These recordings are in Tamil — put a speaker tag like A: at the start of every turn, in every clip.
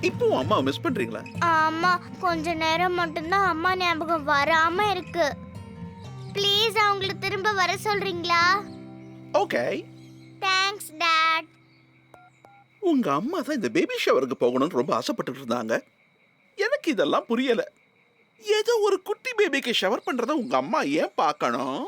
A: இப்போ அம்மா மிஸ் பண்றீங்களா?
B: ஆமா, கொஞ்ச நேரம் மட்டும்தான் அம்மா ஞாபகம் வராம இருக்கு. ப்ளீஸ் அவங்கள திரும்ப வர சொல்றீங்களா?
A: ஓகே.
B: Thanks dad.
A: உங்க அம்மா தான் இந்த பேபி ஷவருக்கு போகணும்னு ரொம்ப ஆசைப்பட்டுட்டு இருந்தாங்க. எனக்கு இதெல்லாம் புரியல. ஏதோ ஒரு குட்டி பேபிக்கு ஷவர் பண்றத உங்க அம்மா ஏன் பார்க்கணும்?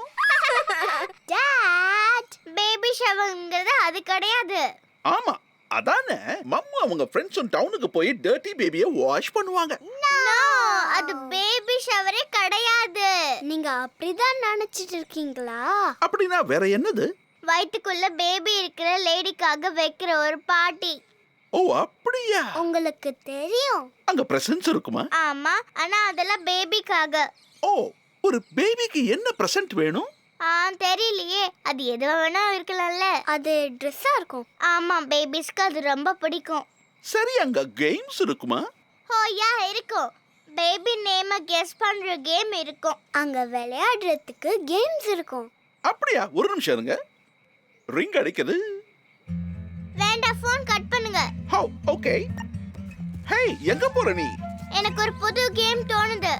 B: டாட், பேபி ஷவர்ங்கிறது அது கிடையாது.
A: ஆமா, அதானே மம்மு அவங்க ஃப்ரெண்ட்ஸும் டவுனுக்கு போய் டர்ட்டி பேபியை வாஷ் பண்ணுவாங்க.
B: நோ, அது பேபி ஷவரே கிடையாது. நீங்க அப்படிதான் நினைச்சிட்டு இருக்கீங்களா?
A: அப்படின்னா வேற என்னது?
B: வயித்துக்குள்ள பேபி இருக்கிற லேடிக்காக வைக்கிற ஒரு பார்ட்டி.
A: ஓ அப்படியா?
B: உங்களுக்கு தெரியும்.
A: அங்க பிரசன்ஸ் இருக்குமா?
B: ஆமா, ஆனா அதெல்லாம் பேபிக்காக.
A: ஓ, ஒரு பேபிக்கு என்ன பிரசன்ட் வேணும்?
B: தெரியலையே, அது எதுவா வேணா இருக்கலாம்ல. அது ட்ரெஸ்ஸா இருக்கும். ஆமா, பேபிஸ்க்கு அது ரொம்ப பிடிக்கும்.
A: சரி, அங்க கேம்ஸ் இருக்குமா?
B: ஓ யா, இருக்கும். பேபி நேம கெஸ் பண்ற கேம் இருக்கும். அங்க விளையாடுறதுக்கு கேம்ஸ் இருக்கும்.
A: அப்படியா? ஒரு நிமிஷம் இருங்க. ரிங் அடிக்குது.
B: வேண்டாம், ஃபோன் கட் பண்ணுங்க.
A: Have okay. ஹே, எங்க போற நீ?
B: எனக்கு ஒரு புது கேம் தோணுது.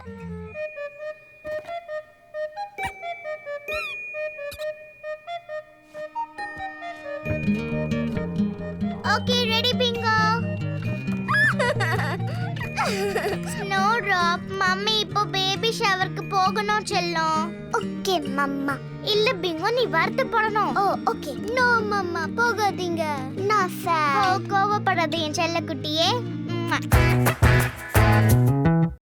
B: Okay, ready Bingo. Snow drop, mummy இப்போ பேபி ஷவருக்கு போகணும் செல்லம். Okay mamma. இல்ல பிங்கோ, நீ வருத்தப்படணும். ஓ ஓகே. நோ மம்மா, போகாதீங்க. நான் சார். ஓ, கோவப்படாத என் செல்ல குட்டியே.